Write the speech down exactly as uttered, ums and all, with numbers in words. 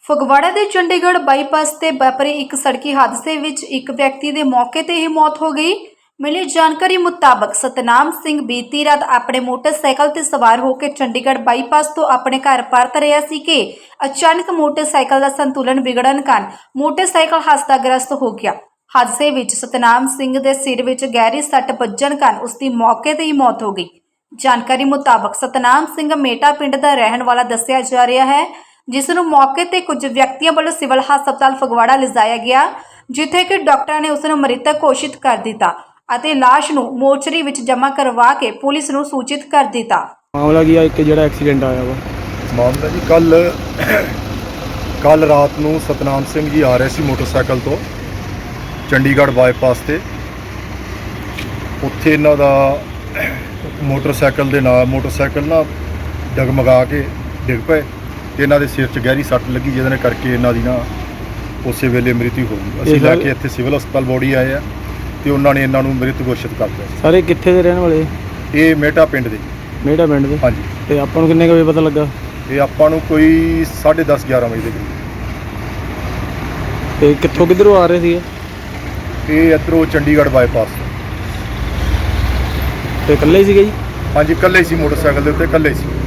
ਫਗਵਾੜਾ ਦੇ ਚੰਡੀਗੜ੍ਹ ਬਾਈਪਾਸ ਤੇ ਵਾਪਰੇ ਇੱਕ ਸੜਕੀ ਹਾਦਸੇ ਵਿੱਚ ਇੱਕ ਵਿਅਕਤੀ ਦੇ ਮੌਕੇ ਤੇ ਹੀ ਮੌਤ ਹੋ ਗਈ। ਮਿਲੀ ਜਾਣਕਾਰੀ ਮੁਤਾਬਕ ਸਤਨਾਮ ਸਿੰਘ ਬੀਤੀ ਰਾਤ ਆਪਣੇ ਮੋਟਰਸਾਈਕਲ ਤੇ ਸਵਾਰ ਹੋ ਕੇ ਚੰਡੀਗੜ੍ਹ ਬਾਈਪਾਸ ਤੋਂ ਆਪਣੇ ਘਰ ਪਰਤ ਰਿਹਾ ਸੀ ਕਿ ਅਚਾਨਕ ਮੋਟਰਸਾਈਕਲ ਦਾ ਸੰਤੁਲਨ ਵਿਗੜਨ ਕਾਰਨ ਮੋਟਰਸਾਈਕਲ ਹਾਦਸਾਗ੍ਰਸਤ ਹੋ ਗਿਆ। ਹਾਦਸੇ ਵਿੱਚ ਸਤਨਾਮ ਸਿੰਘ ਦੇ ਸਿਰ ਵਿੱਚ ਗਹਿਰੀ ਸੱਟ ਵੱਜਣ ਕਾਰਨ ਉਸ ਦੀ ਮੌਕੇ ਤੇ ਹੀ ਮੌਤ ਹੋ ਗਈ। ਜਾਣਕਾਰੀ ਮੁਤਾਬਕ ਸਤਨਾਮ ਸਿੰਘ ਮੇਟਾ ਪਿੰਡ ਦਾ ਰਹਿਣ ਵਾਲਾ ਦੱਸਿਆ ਜਾ ਰਿਹਾ ਹੈ, ਜਿਸ ਨੂੰ ਮੌਕੇ ਤੇ ਕੁਝ ਵਿਅਕਤੀਆਂ ਵੱਲੋਂ ਸਿਵਲ ਹਸਪਤਾਲ ਫਗਵਾੜਾ ਲਿਜਾਇਆ ਗਿਆ, ਜਿੱਥੇ ਕਿ ਡਾਕਟਰਾਂ ਨੇ ਉਸ ਨੂੰ ਮ੍ਰਿਤਕ ਘੋਸ਼ਿਤ ਕਰ ਦਿੱਤਾ ਅਤੇ ਲਾਸ਼ ਨੂੰ ਮੋਰਚਰੀ ਵਿੱਚ ਜਮ੍ਹਾਂ ਕਰਵਾ ਕੇ ਪੁਲਿਸ ਨੂੰ ਸੂਚਿਤ ਕਰ ਦਿੱਤਾ। ਮਾਮਲਾ ਕੀ ਆ ਇੱਕ ਜਿਹੜਾ ਐਕਸੀਡੈਂਟ ਆਇਆ ਵਾ ਮਾਮਲਾ ਜੀ ਕੱਲ ਕੱਲ ਰਾਤ ਨੂੰ ਸਤਨਾਮ ਸਿੰਘ ਜੀ ਆ ਰਹੇ ਸੀ ਮੋਟਰਸਾਈਕਲ ਤੋਂ ਚੰਡੀਗੜ੍ਹ ਬਾਈਪਾਸ ਤੇ। ਉੱਥੇ ਇਹਨਾਂ ਦਾ ਮੋਟਰਸਾਈਕਲ ਦੇ ਨਾਲ ਮੋਟਰਸਾਈਕਲ ਨਾ ਡਗਮਗਾ ਕੇ ਡਿੱਗ ਪਏ ਤੇ ਇਹਨਾਂ ਦੇ ਸਿਰ 'ਚ ਗਹਿਰੀ ਸੱਟ ਲੱਗੀ, ਜਿਹਦੇ ਕਰਕੇ ਇਹਨਾਂ ਦੀ ਨਾ ਉਸੇ ਵੇਲੇ ਮ੍ਰਿਤੂ ਹੋ ਗਈ। ਅਸੀਂ ਲੈ ਕੇ ਇੱਥੇ ਸਿਵਲ ਹਸਪਤਾਲ ਬੋਡੀ ਆਏ ਆ ਤੇ ਉਹਨਾਂ ਨੇ ਇਹਨਾਂ ਨੂੰ ਮ੍ਰਿਤ ਘੋਸ਼ਿਤ ਕਰ ਦਿੱਤਾ। ਸਾਰੇ ਕਿੱਥੇ ਦੇ ਰਹਿਣ ਵਾਲੇ? ਇਹ ਮੇਟਾ ਪਿੰਡ ਦੇ। ਮੇਟਾ ਪਿੰਡ ਦੇ? ਹਾਂਜੀ। ਤੇ ਆਪਾਂ ਨੂੰ ਕਿੰਨੇ ਕੁ ਵਜੇ ਪਤਾ ਲੱਗਾ? ਇਹ ਆਪਾਂ ਨੂੰ ਕੋਈ ਸਾਢੇ ਦਸ ਗਿਆਰਾਂ ਵਜੇ ਦੇ ਕਰੀਬ। ਤੇ ਕਿੱਥੋਂ ਕਿੱਧਰੋਂ ਆ ਰਹੇ ਸੀ? ਇਹ ਇੱਧਰੋਂ ਚੰਡੀਗੜ੍ਹ ਬਾਈਪਾਸ ਤੋਂ। ਤੇ ਇਕੱਲੇ ਸੀਗੇ ਜੀ? ਹਾਂਜੀ, ਇਕੱਲੇ ਸੀ ਮੋਟਰਸਾਈਕਲ ਦੇ ਉੱਤੇ, ਇਕੱਲੇ ਸੀ।